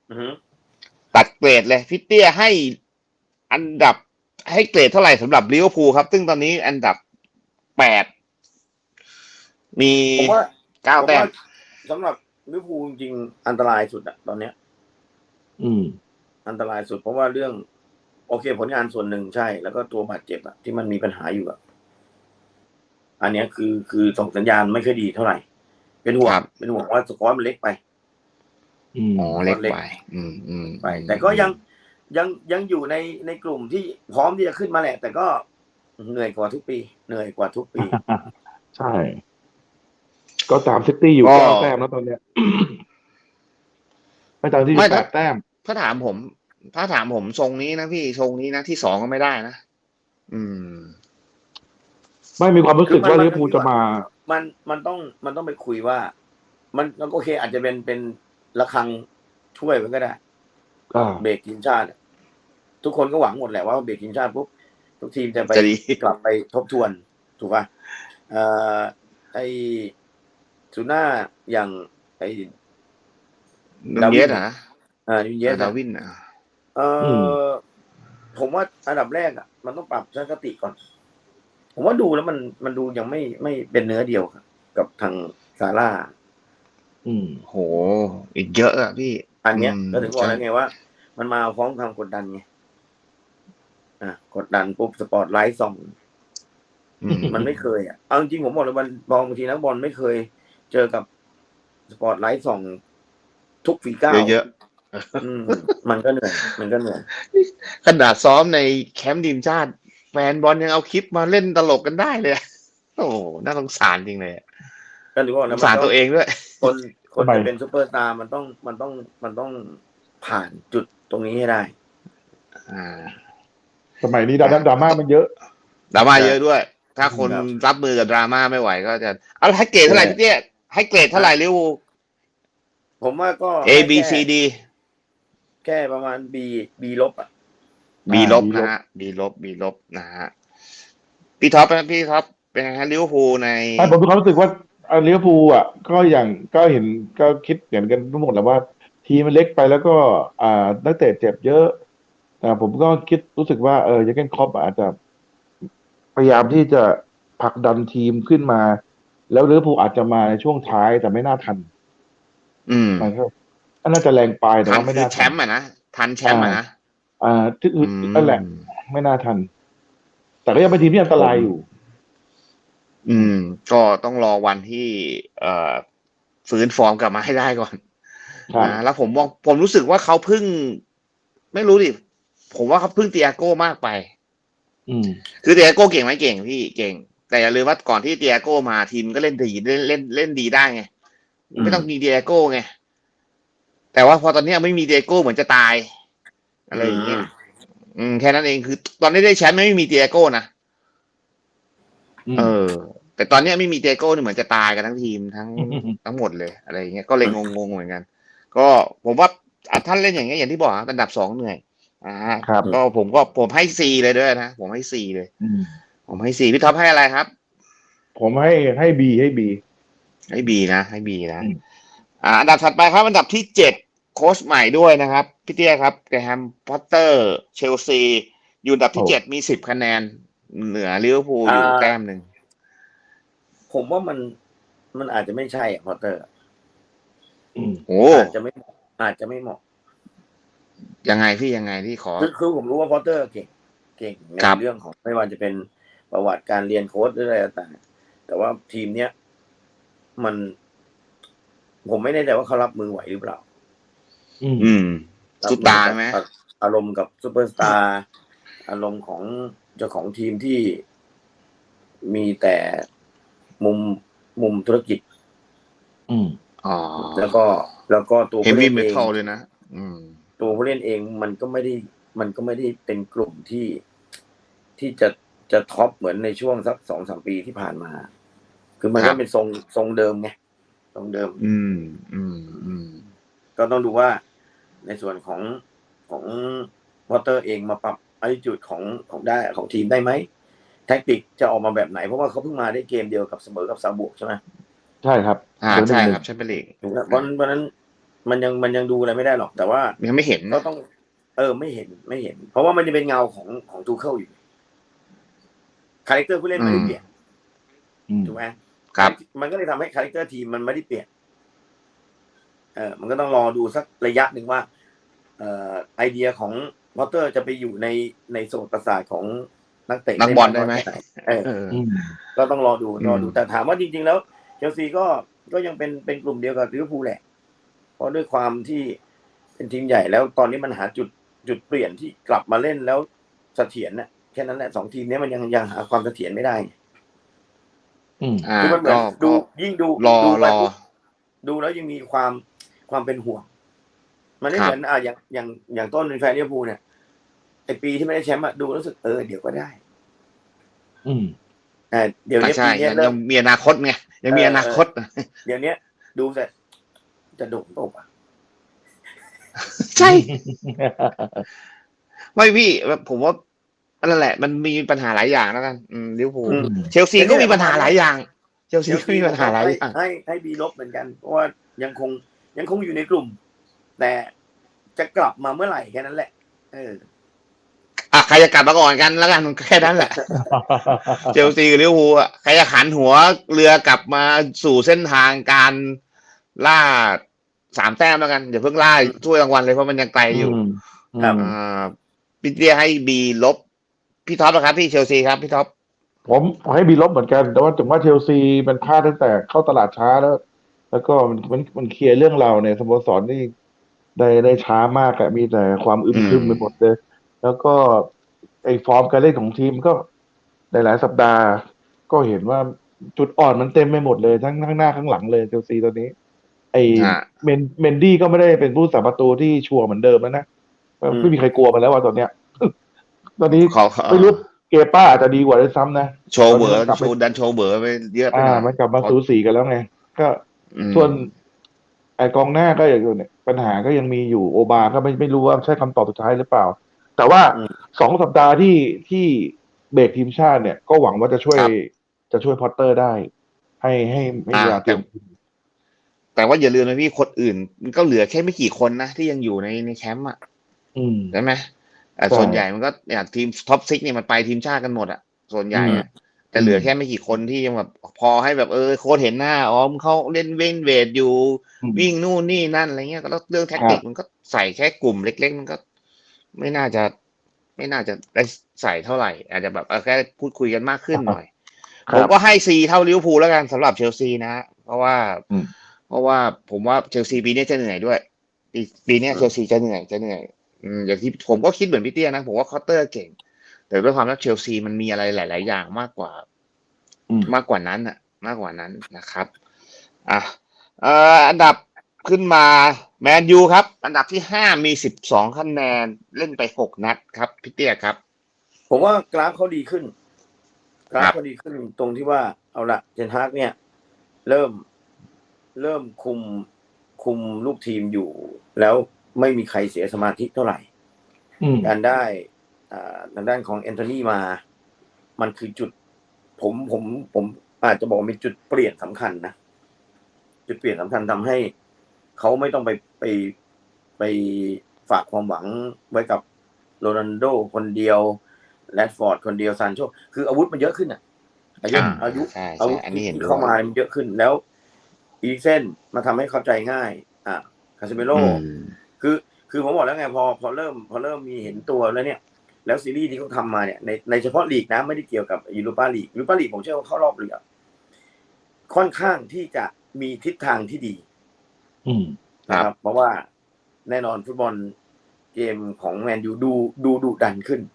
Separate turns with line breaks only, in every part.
อือฮึ
ตัดเกรดเลยพี่เตี้ยให้อันดับให้เกรดเท่าไหร่สำหรับลิเวอร์พูลครับซึ่งตอนนี้อันดับ8มี
ผมว่า
9แต้ม
สำหรับลิเวอร์พูลจริงๆอันตรายสุดอะตอนเนี้ย
อืม
อันตรายสุดเพราะว่าเรื่องโอเคผลงานส่วนหนึ่งใช่ แล้วก็ตัวบาดเจ็บอะที่มันมีปัญหาอยู่อะอันเนี้ยคือส่งสัญญาณไม่ค่อยดีเท่าไหร่ เป็นห่วงว่าสกอร์มันเล็กไป
อ๋อเล็กไป
ไป แต่ก็ยังอยู่ในกลุ่มที่พร้อมที่จะขึ้นมาแหละ แต่ก็เหนื่อยกว่าทุกปี
ใช่ ก็ตามซิตี้อยู่9 แต้มแล้วตอนเนี้ยไม่ตามที่อยู่8 แต้ม
ถ้าถามผมทรงนี้นะพี่ทรงนี้นะที่2ก็ไม่ได้นะ
ไม่มีความรู้สึกว่าลิเวอร์พูลจะมา
มันต้องไปคุยว่า มันโอเค อาจจะเป็นระฆังช่วยมันก็ได้เบรกทีมชาติทุกคนก็หวังหมดแหละว่าเบรกทีมชาติปุ๊บทุกทีมจะไปกลับไปทบทวนถูกป่ะไอซูน่าอย่างไอ
ดาวินนะ
ดาวินผมว่าอันดับแรกมันต้องปรับทัศนคติก่อนผมว่าดูแล้วมันดูยังไม่เป็นเนื้อเดียวกับทางซาร่า
โหอีกเยอะอ่ะพี่
อันเนี้ยก็ถึงบอกแล้วไงว่ามันมาพร้อมความกดดันไงกดดันปุ๊บสปอตไลท์ส่องมันไม่เคยเอาจริงผมบอกเลยบางทีนักบอลไม่เคยเจอกับสปอตไลท์ส่องทุกฝีก้าว
เยอะ
มันก็เหนื่อย
ขนาดซ้อมในแคมป์ทีมชาติแฟนบอลยังเอาคลิปมาเล่นตลกกันได้เลยโอ้น่าสงสารจริงเลย
ก็ถือว่า
สงสารตัวเองด้วย
คนจะเป็นซุปเปอร์สตาร์มันต้องผ่านจุดตรงนี้ให้ได้
สมัยนี้ดราม่ามันเยอะ
ดราม่าเยอะด้วยถ้าคนรับมือกับดราม่าไม่ไหวก็จะเอาให้เกรดเท่าไหร่พี่เตี้ยให้เกรดเท่าไหร่ลิเวอร์พูล
ผมว่าก็
A B C D
แค่ประมาณ B ลบ
B ลบนะฮะ B ลบนะฮะพี่ท็อปเป็นไงฮะลิเวอร์พูลใน
ผมมีความรู้สึกว่าลิเวอร์พูลก็เห็นก็คิดเหมือนกันทั้งหมดแหละว่าทีมมันเล็กไปแล้วก็นักเตะเจ็บเยอะแต่ผมก็รู้สึกว่าเจอร์เก้นคล็อปอาจจะพยายามที่จะผลักดันทีมขึ้นมาแล้วลิเวอร์พูลอาจจะมาในช่วงท้ายแต่ไม่น่าทันมันก็น่าจะแรงไปแต่ว่าไม่น่า
แชมป์นะทันแชมป์นะ
ที่นั่นแหละไม่น่าทันแต่ก็ยังเป็นทีมที่อันตรายอยู่
ก็ต้องรอวันที่ฟื้นฟอร์มกลับมาให้ได้ก่อนนะแล้วผมรู้สึกว่าเขาพึ่งไม่รู้ดิผมว่าเขาพึ่งเตียโก้มากไปคือเตียโก้เก่งไหมเก่งพี่เก่งแต่อย่าลืมว่าก่อนที่เตียโก้มาทีมก็เล่นดีเล่นดีได้ไงไม่ต้องมีเตียโก้ไงแต่ว่าพอตอนนี้ไม่มีเตียโก้เหมือนจะตายอะไรอย่างเงี้ยแค่นั้นเองคือตอนนี้ได้แชมป์ไม่มีเตียโก้นะแต่ตอนนี้ไม่มีเตียโก้เหมือนจะตายกันทั้งทีมทั้งหมดเลยอะไรอย่างเงี้ยก็เลยงงเหมือนกันก็ผมว่าท่านเล่นอย่างเงี้ยอย่างที่บอกอันดับ2เหนื่อยก็ผมให้Cเลยด้วยนะผมให้Cเลยผมให้Cพี่ท็อปให้อะไรครับ
ผมให้B ให้ B
นะอันดับถัดไปครับอันดับที่7โค้ชใหม่ด้วยนะครับพี่เตี้ยครับแกรแฮมพอตเตอร์เชลซีอยู่อันดับที่7มี10คะแนนเหนือลิเวอร์พูลอยู่แต้มนึง
ผมว่ามันอาจจะไม่ใช่พอตเตอร์อาจจะไม่เหมาะ
ยังไงที่ขอ
คือผมรู้ว่าพอตเตอร์เก่งในเรื่องของไม่ว่าจะเป็นประวัติการเรียนโค้ชหรืออะไรต่างๆแต่ว่าทีมเนี้ยผมไม่แน่ใจว่าเขารับมือไหวหรือเปล่า
ซุปตาไหม
อารมณ์กับซุปเปอร์สตาร์อารมณ์ของเจ้าของทีมที่มีแต่มุมธุรกิจแล้วก็ตัวผู้เล่นเอง
เลยนะ
ตัวผู้เล่นเองมันก็ไม่ได้เป็นกลุ่มที่จะท็อปเหมือนในช่วงสัก 2-3 ปีที่ผ่านมาคือมันก็เป็นทรงเดิมไงทรงเดิมก็ต้องดูว่าในส่วนของวอเตอร์เองมาปรับattitudeของทีมได้ไหมแท็กติกจะออกมาแบบไหนเพราะว่าเขาเพิ่งมาได้เกมเดียวกับเสมอกับซาบุใช่ไหม
ใช่ครับ
ใช่ครับแชมเปี้ยนลีก
เพราะนั้นมันยังดูอะไรไม่ได้หรอกแต่ว่า
ยังไม่เห็น
ก็ต้องไม่เห็นเพราะว่ามันจะเป็นเงาของทูเคิลอยู่คาแรคเตอร์ผู้เล่นไม่ได้เปลี่ยนถูกไหม
ครับ
มันก็เลยทำให้คาแรคเตอร์ทีมมันไม่ได้เปลี่ยนมันก็ต้องรอดูสักระยะหนึ่งว่าไอเดียของพอตเตอร์จะไปอยู่ในโซนประสาทของนักเตะ
นักบอลได้ไหม
ก็ต้องรอดูแต่ถามว่าจริงๆแล้วเชลซีก็ยังเป็นกลุ่มเดียวกับลิเวอร์พูลแหละเพราะด้วยความที่เป็นทีมใหญ่แล้วตอนนี้มันหาจุดเปลี่ยนที่กลับมาเล่นแล้วเสถียรน่ะแค่นั้นแหละ2ทีมนี้มันยังหาความเสถียรไม่ได้คือมันเหมือนดูยิ่งดูไปดูแล้วยังมีความเป็นห่วงมันไม่เหมือนอย่างต้นเป็นแฟนลิเวอร์พูลเนี่ยไอปีที่ไม่ได้แชมป์ดูรู้สึกเดี๋ยวก็ได้เดี๋ยวนี้ปีนี้
ยังมีอนาคตไงยังมีอนาคต
เดี๋ยวนี้ดูแต่จะโดดตก
ใช่ไม่พี่ผมว่านั่นแหละมันมีปัญหาหลายอย่างแล้วกันลิเวอร์พูลเชลซีก็มีปัญหาหลายอย่างเชลซีก็มีปัญหาหลายอย่าง
ให้บีลบเหมือนกันเพราะว่ายังคงอยู่ในกลุ่มแต่จะกลับมาเมื่อไหร่แค่นั้นแหละ
ใครจะกลับมาก่อนกันแล้วกันแค่นั้นแหละเชลซีกับลิเวอร์พูลใครจะหันหัวเรือกลับมาสู่เส้นทางการล่า3 แต้มแล้วกันอย่าเพิ่งล่าถ้วยรางวัลเลยเพราะมันยังไกลอยู่พี่เตี้ยให้บีลบพี่ท็อปนะครับพี่เชลซีครับพี่ท็อป
ผมให้บีลบเหมือนกันแต่ว่าถึงว่าเชลซีมันพลาดตั้งแต่เข้าตลาดช้าแล้วก็มันเคลียร์เรื่องเราในสโมสรนี่ได้ช้ามากอะมีแต่ความอึมครึมไปหมดเลยแล้วก็ไอ้ฟอร์มการเล่นของทีมก็หลายสัปดาห์ก็เห็นว่าจุดอ่อนมันเต็มไปหมดเลยทั้งข้างหน้าข้างหลังเลยเชลซีตอนนี้ไอ้เมนดี้ก็ไม่ได้เป็นผู้สาประตูที่ชัวร์เหมือนเดิมแล้วนะไม่มีใครกลัวมันแล้วว่าตอนเนี้ยตอนนี้ไม่รู้เกป้าอาจจะดีกว่าด้วยซ้ำนะ
โชว์เบอร์โชว์ไปเยอะไปหน่อย
มันกลับมาสูสีกันแล้วไงก็ส่วนไอ้กองหน้าก็อย่างเนี่ยปัญหาก็ยังมีอยู่โอบาก็ไม่รู้ว่าใช่คำตอบสุดท้ายหรือเปล่าแต่ว่า2 สัปดาห์ที่เบรกทีมชาติเนี่ยก็หวังว่าจะช่วยพอตเตอร์ได้ให้เวลาเตรียม
แต่ว่าอย่าลืมนะพี่คนอื่นมันก็เหลือแค่ไม่กี่คนนะที่ยังอยู่ในแคมป์ใช่ไหมส่วนใหญ่มันก็อย่างทีมท็อป6เนี่ยมันไปทีมชาติกันหมดส่วนใหญ่แต่เหลือแค่ไม่กี่คนที่ยังแบบพอให้แบบโค้ชเห็นหน้าเขาเล่นเวทอยู่วิ่งนู่นนี่นั่นอะไรเงี้ยแล้วเรื่องแท็กติกมันก็ใส่แค่กลุ่มเล็กๆมันก็ไม่น่าจะได้ใส่เท่าไหร่อาจจะแบบแค่พูดคุยกันมากขึ้นหน่อยผมก็ให้ซีเท่าลิเวอร์พูลแล้วกันสำหรับเชลซีนะเพราะว่าผมว่าเชลซีปีนี้จะเหนื่อยด้วยปีนี้เชลซีจะเหนื่อยอย่างที่ผมก็คิดเหมือนพี่เตี้ยนะผมว่าคอตเตอร์เก่งแต่ด้วยความที่เชลซีมันมีอะไรหลายๆอย่างมากกว่านั้นนะครับอันดับขึ้นมาแมนยูครับอันดับที่5มี12คะแนนเล่นไป6 นัดครับพี่เตี้ยครับ
ผมว่ากราฟเขาดีขึ้นตรงที่ว่าเอาละเจนฮากเนี่ยเริ่มคุมลูกทีมอยู่แล้วไม่มีใครเสียสมาธิเท่าไหร่การได้ทางด้านของแอนโทนีมามันคือจุดผมอาจจะบอกมีจุดเปลี่ยนสำคัญนะจุดเปลี่ยนสำคัญทำให้เขาไม่ต้องไปฝากความหวังไว้กับโรนัลโดคนเดียวแรดฟอร์ดคนเดียวซานโชคืออาวุธมันเยอะขึ้นอายุที่เข้ามามันเยอะขึ้นแล้วอีเส้นมาทำให้เข้าใจง่ายคาซิเมโร่คือผมบอกแล้วไงพอเริ่มมีเห็นตัวแล้วเนี่ยแล้วซีรีส์ที่เขาทำมาเนี่ยในเฉพาะลีกนะไม่ได้เกี่ยวกับยูโรปาลีกผมเชื่อว่าเข้ารอบเลยค่อนข้างที่จะมีทิศทางที่ดีนะครับเพราะว่าแน่นอนฟุตบอลเกมของแมนยูดูดุดันขึ้น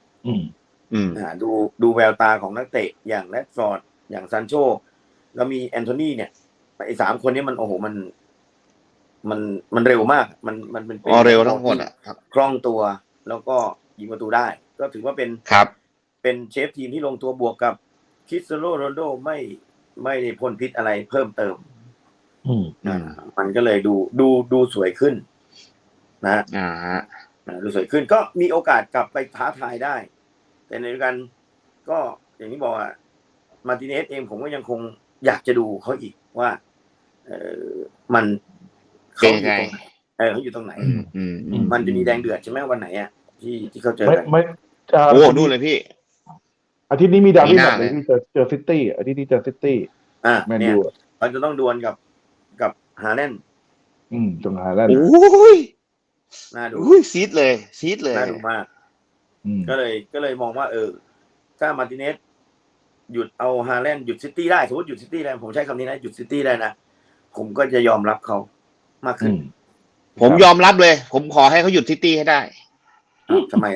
ดูแววตาของนักเตะอย่างแรดฟอร์ดอย่างซานโชแล้วมีแอนโทนีเนี่ยไอ้3 คนนี้มันโอ้โหมันเร็วมากมันเป็น
เร็วทั้งหมด
คล่องตัวแล้วก็ยิงประตูได้ก็ถือว่าเป็นเชฟทีมที่ลงตัวบวกกับคริสเตียโนโรนัลโดไม่ได้พ่นพิษอะไรเพิ่มเติมมันก็เลยดูสวยขึ้นนะดูสวยขึ้นก็มีโอกาสกลับไปท้าทายได้แต่ในเดียวกันก็อย่างที่บอกมาร์ติเนสเองผมก็ยังคงอยากจะดูเขาอีกว่ามันเขาอยู่ตรงไหนเขาอยู่ตรงไหน มันจะมีแดงเดือดใช่ไหมวันไหนอ่ะที่เขาเจอกัน
ไม่
โอ้ดูเลยพี่
อาทิตย์นี้มีดาร์บี้แมตช์เลยที่เจอซิตี้อาทิตย์นี้เจอซิตี้แมนยู
มันจะต้องดวลกับฮาแลนด์
จงฮาแลนด์
โอ้ย
น่าดู
ซีดเลย
น่าดูมากก็เลยมองว่าถ้ามาร์ติเนสหยุดเอาฮาแลนด์หยุดซิตี้ได้สมมติหยุดซิตี้ได้ผมใช้คำนี้นะหยุดซิตี้ได้นะผมก็จะยอมรับเขามากขึ้น
ผมยอมรับเลยผมขอให้เขาหยุดซิตี้ให้ได้
ทำไม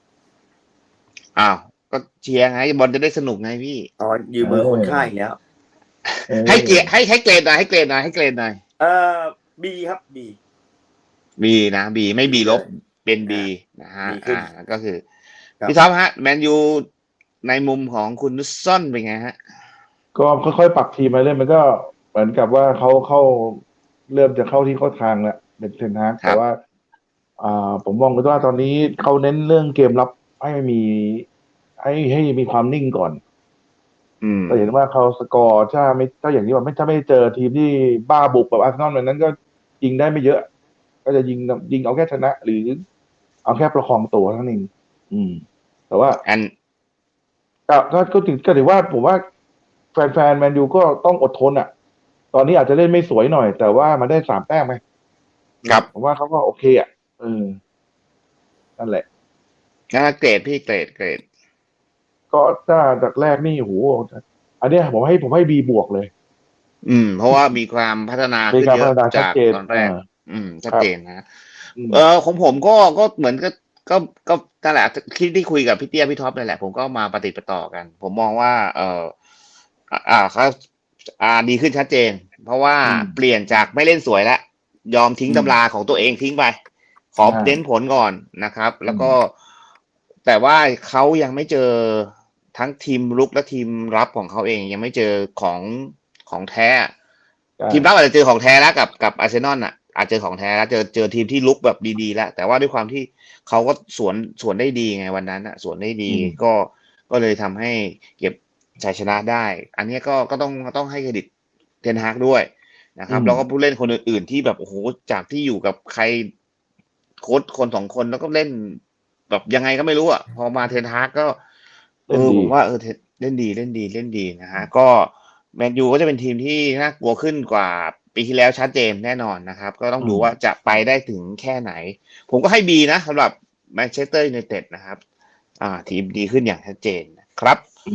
ก็เชียร์ไงบอลจะได้สนุกไงพี่
ยืมเบอร์คนค่ายแล้ว
ให้เกรดให้เกรดหน่อย
บีครับ
บีนะบีไม่บีลบเป็นบีนะฮะก็คือพี่ท็อปฮะแมนยูในมุมของคุณนุสซอนเป็นไงฮะ
ก็ค่อยๆปรับทีมมาเรื่อยมันก็เหมือนกับว่าเขาเริ่มจะเข้าที่เข้าทางแล้วเป็นเทนฮากแต่ว่าผมมองว่าตอนนี้เขาเน้นเรื่องเกมรับให้มีความนิ่งก่อนแต่เห็นว่าเขาสกอร์ถ้าอย่างนี้ว่าถ้าไม่เจอทีมที่บ้าบุกแบบอาร์เซนอลแบบนั้นก็ยิงได้ไม่เยอะก็จะยิงเอาแค่ชนะหรือเอาแค่ประคองตัวเท่านั้นเองแต่ว่าก็ถือว่าผมว่าแฟนแมนยูก็ต้องอดทนอ่ะตอนนี้อาจจะเล่นไม่สวยหน่อยแต่ว่ามันได้3 แต้มไหม
ครับ
ผมว่าเขาก็โอเคอ่ะนั่นแหละ
เกรดพี่เกรด
ก็ถ้าจากแรกนี่โหอันนี้ผมให้บีบวกเลย
เพราะว่ามีความพัฒนาขึ้นเยอะจากตอนแรกชัดเจนนะของผมก็เหมือนก็นั่นแหละที่คุยกับพี่เตี้ยพี่ท็อปนั่นแหละผมก็มาปฏิปต่อกันผมมองว่าเขาดีขึ้นชัดเจนเพราะว่าเปลี่ยนจากไม่เล่นสวยแล้วยอมทิ้งตำราของตัวเองทิ้งไปขอเน้นผลก่อนนะครับแล้วก็แต่ว่าเขายังไม่เจอทั้งทีมรุกและทีมรับของเขาเองยังไม่เจอของแท้ทีมรับอาจจะเจอของแท้แล้วกับอาร์เซนอลอ่ะอาจจะของแท้แล้วเจอทีมที่ลุกแบบดีๆแล้วแต่ว่าด้วยความที่เขาก็สวนได้ดีไงวันนั้นอ่ะสวนได้ดีก็เลยทำให้เก็บชัยชนะได้อันนี้ก็ต้องให้เครดิตเทนฮากด้วยนะครับแล้วก็ผู้เล่นคนอื่นๆที่แบบโอ้โหจากที่อยู่กับใครโค้ชคน2 คนแล้วก็เล่นแบบยังไงก็ไม่รู้อ่ะพอมาเทนฮากก็ผมว่าเล่นดีนะฮะก็แมนยูก็จะเป็นทีมที่น่ากลัวขึ้นกว่าปีที่แล้วชัดเจนแน่นอนนะครับก็ต้องดูว่าจะไปได้ถึงแค่ไหนผมก็ให้บีนะสำหรับแมนเชสเตอร์ยูไนเต็ดนะครับทีมดีขึ้นอย่างชัดเจนนะครับ